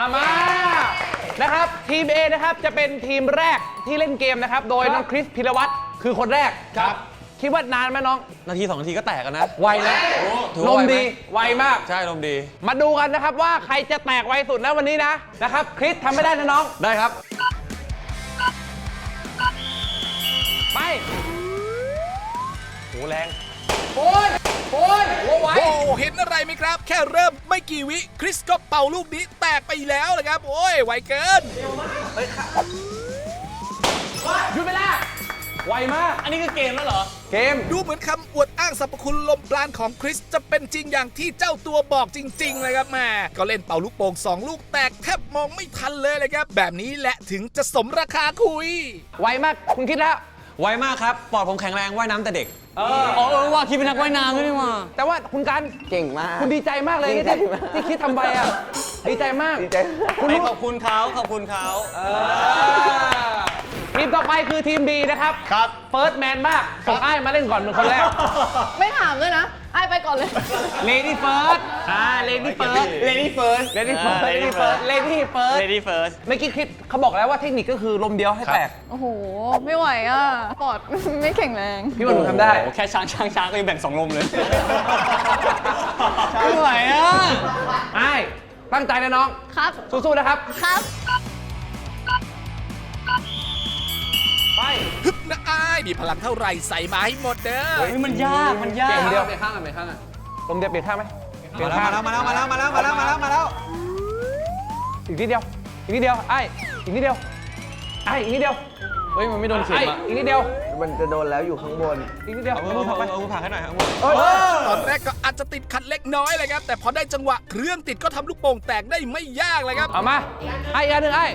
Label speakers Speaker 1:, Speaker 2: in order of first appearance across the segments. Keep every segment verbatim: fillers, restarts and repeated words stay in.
Speaker 1: อามานะครับทีม A นะครับจะเป็นทีมแรกที่เล่นเกมนะครับโดยน้องคริสพิรวัตรคือคนแรกครับคิดว่านานไหมน้อง
Speaker 2: นาทีสองนาทีก็แตกกันนะ
Speaker 1: ไวแล้วลมดีไวมาก
Speaker 2: ใช่ลมดี
Speaker 1: มาดูกันนะครับว่าใครจะแตกไวสุดแล้ววันนี้นะนะครับคริสทำไม่ได้นะน้อง
Speaker 2: ได้ครับ
Speaker 1: ไปโหแรงโอ้ยโอ้ยโอ้ไว
Speaker 3: โอ้เห็นอะไรไหมครับแค่เริ่มไม่กี่วิคริสก็เป่าลูกนี้แตกไปแล้วเลยครับโอ้ยไวเกิน
Speaker 1: หยุดเวลาไวมาก
Speaker 2: อันนี้คือเกมแล้วเหรอ
Speaker 1: เกม
Speaker 3: ดูเหมือนคำอวดอ้างสรรพคุณลมปราณของคริสจะเป็นจริงอย่างที่เจ้าตัวบอกจริงๆเลยครับแม่ก็เล่นเป่าลูกโป่งสองลูกแตกแทบมองไม่ทันเลยเลยครับแบบนี้แหละถึงจะสมราคาคุย
Speaker 1: ไวมากคุณคิดแล้ว
Speaker 2: ไวมากครับปอดผมแข็งแรงว่ายน้ำแต่เด็ก
Speaker 1: เอ
Speaker 2: อเออว่าคิดเป็นนักว่ายน้ำด้วยนี่ว่า
Speaker 1: แต่ว่าคุณกัน
Speaker 4: เก่งมาก
Speaker 1: คุณดีใจมากเลยที่ที่คิดทำไปอ่ะดีใจมาก
Speaker 4: ดีใจ
Speaker 2: คุณขอบคุณเขาขอบคุณเขา
Speaker 1: ทีมต่อไปคือทีมดีนะครับ
Speaker 4: ครับ
Speaker 1: เฟิร์สแมนมากส่งไอ้มาเล่นก่อนเป็นคนแรก
Speaker 5: ไม่ถามเลยนะไอ้ไปก่อนเลย
Speaker 1: เลดี้เฟิร์สอ่าเลดี้เฟิร์ส
Speaker 2: เลดี้เฟิร์ส
Speaker 1: เลดี้เฟิร์สเลดี้เฟิร์สเลดี้เฟิร์ส
Speaker 2: เลดี้เฟิร์ส
Speaker 1: เมื่อกี้คลิปเขาบอกแล้วว่าเทคนิคก็คือลมเดียวให้แตก
Speaker 5: โอ้โหไม่ไหวอ่ะปอดไม่แข็งแรง
Speaker 1: พี่ว่าหนูทำได้
Speaker 2: แค่ช้างช้างช้างก็ยังแบ่งสองลมเลยไม่ไหวอ่ะ
Speaker 1: ไอ้ตั้งใจนะน้อง
Speaker 5: ครับ
Speaker 1: สู้ๆนะครับ
Speaker 5: ครับ
Speaker 1: ไป
Speaker 3: ฮึบนะอ้ายมีพลังเท่าไหร่ใส่มาให้หมดเด้อ
Speaker 2: เฮ้ยมันยากมันยาก
Speaker 1: เดียวเปลี่ยนข้างกันเปลี่ยนข้างกันลมเดียวเปลี่ยนข้างไหมเปลี่ยนข้าง
Speaker 2: มาแล้วมาแล้วมาแล้วมาแล้วมาแล้วมาแล้วมาแล้ว
Speaker 1: อีกนิดเดียวอีกนิดเดียวไอ้อีกนิดเดียวไอ้อีกนิดเดียว
Speaker 2: เฮ้ยมันไม่โดนเข็มอ่ะ
Speaker 1: อีกนิดเดียว
Speaker 4: มันจะโดนแล้วอยู่ข้างบน
Speaker 1: อีกนิดเดียว
Speaker 2: เอามือผักไปเอามือผักให้หน่อยครับ
Speaker 3: ตอนแรกก็อาจจะติดขัดเล็กน้อยเลยครับแต่พอได้จังหวะเครื่องติดก็ทำลูกโป่งแตกได้ไม่ยากเลยครับ
Speaker 1: เอามาไอ้อีกอันหนึ่งไอ้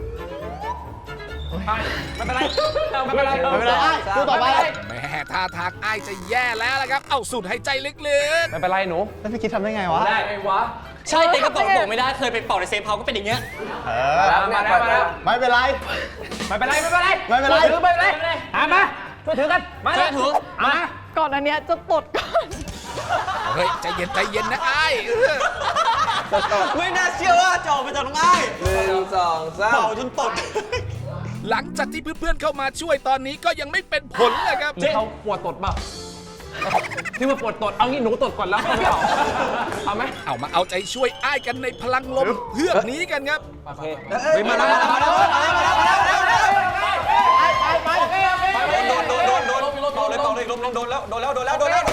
Speaker 1: ไม่เป็นไรไม่เป็นไร
Speaker 2: ไม่เป็นไร
Speaker 1: ดูต่อไป
Speaker 3: แม่ท่าทางอ้ายจะแย่แล้วละครับเอาสูดหายใจลึกๆ
Speaker 1: ไม่เป็นไรหนู
Speaker 4: แล้วพี่คิดทำได้ไงวะ
Speaker 1: ได้ไงวะ
Speaker 2: ใช่แต่ก็เป่าโป่งไม่ได้เคยไปเป่าในเซฟเฮาส์ก็เป็นอย่างเงี้ย
Speaker 4: เออ
Speaker 1: มาแล้วมาแล้ว
Speaker 4: ไม่เป็นไร
Speaker 1: ไม่เป็นไรไม่เป็นไร
Speaker 4: ไม่เป็นไร
Speaker 1: ถือไม่เป็นไรอ่ะมาช่วยถือกันมา
Speaker 2: ช่วยถือ
Speaker 1: มา
Speaker 5: ก่อนอันเนี้ยจะตดก่อน
Speaker 3: เฮ้ยใจเย็นใจเย็นนะไอ้
Speaker 2: ไม่น่าเชื่อว่าจะออกมาจากน้องไอ้
Speaker 4: หนึ่งสองสาม
Speaker 2: เป่าจนตด
Speaker 3: หลังจากที่เพื่อนๆเข้ามาช่วยตอนนี้ก็ยังไม่เป็นผลเลยครับ
Speaker 1: เขาปวดตดป่ะที่มาปวดตดเอางี้หนูตดก่อนแล้วค่อยเอาเอาไหม
Speaker 3: เอามาเอาใจช่วยอ้ายกันในพลังลมเพื่อนี้กันครับ
Speaker 1: โอเค
Speaker 2: มาแล้วมาแล้วมาแล้วมาแล้วมาแล้วมาแล้ว
Speaker 1: ไปไปไปไป
Speaker 2: โดนโดนโดนโดนโดนโดนเลยโดนเลยโดนโดนแล้วโดนแล้วโดนแล้วโดนแล้ว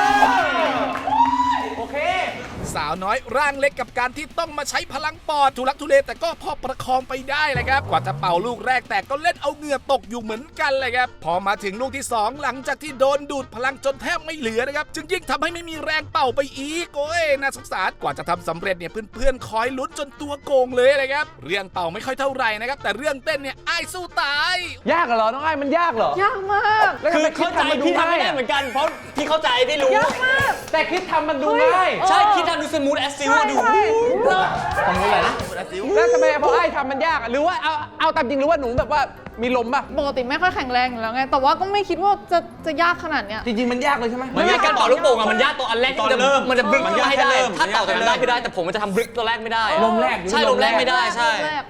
Speaker 1: โอเค
Speaker 3: สาวน้อยร่างเล็กกับการที่ต้องมาใช้พลังปอดทุลักทุเลแต่ก็พอประคองไปได้เลยครับกว่าจะเป่าลูกแรกแต่ก็เล่นเอาเหงื่อตกอยู่เหมือนกันเลยครับพอมาถึงลูกที่สองหลังจากที่โดนดูดพลังจนแทบไม่เหลือนะครับจึงยิ่งทำให้ไม่มีแรงเป่าไปอีกโอ้ยน่าสงสารกว่าจะทำสำเร็จเนี่ยเพื่อนๆคอยลุ้นจนตัวโกงเลยเลยครับเรื่องเป่าไม่ค่อยเท่าไหร่นะครับแต่เรื่องเต้นเนี่ยอ้ายสู้ตาย
Speaker 1: ยากเหรอน้องไอ้มันยากเหรอย
Speaker 5: ากมาก
Speaker 2: คือเข้าใจพี่ทำไม่ได้เหมือนกันเพราะพี่เข้าใจพี่รู้
Speaker 5: ยากมาก
Speaker 1: แต่คิดทำมันดูง่าย
Speaker 2: ใช่คิดทำดูสมูทแอสซิลดู
Speaker 1: ทำอะไรนะแล้วทำไมพอไอ้ทำมันยากหรือว่าเอาเอาตามจริงหรือว่าหนูแบบว่ามีลมป่ะ
Speaker 5: ปกติไม่ค่อยแข็งแรงอยู่แล้วไงแต่ว่าก็ไม่คิดว่าจะจะยากขนาดเนี้ย
Speaker 1: จริงๆมันยากเลยใช่ไหม
Speaker 2: มันยากการเป่าลูกโป่งอะมันยากตัวอันแรกที่จะมันจะบลึกให้ได้ถ้าเป่าตัวนั้นได้คือได้แต่ผมมันจะทำบลึกตัวแรกไม่ได้
Speaker 1: ลมแรก
Speaker 2: ใช่ลมแรกไม่ได้ใช่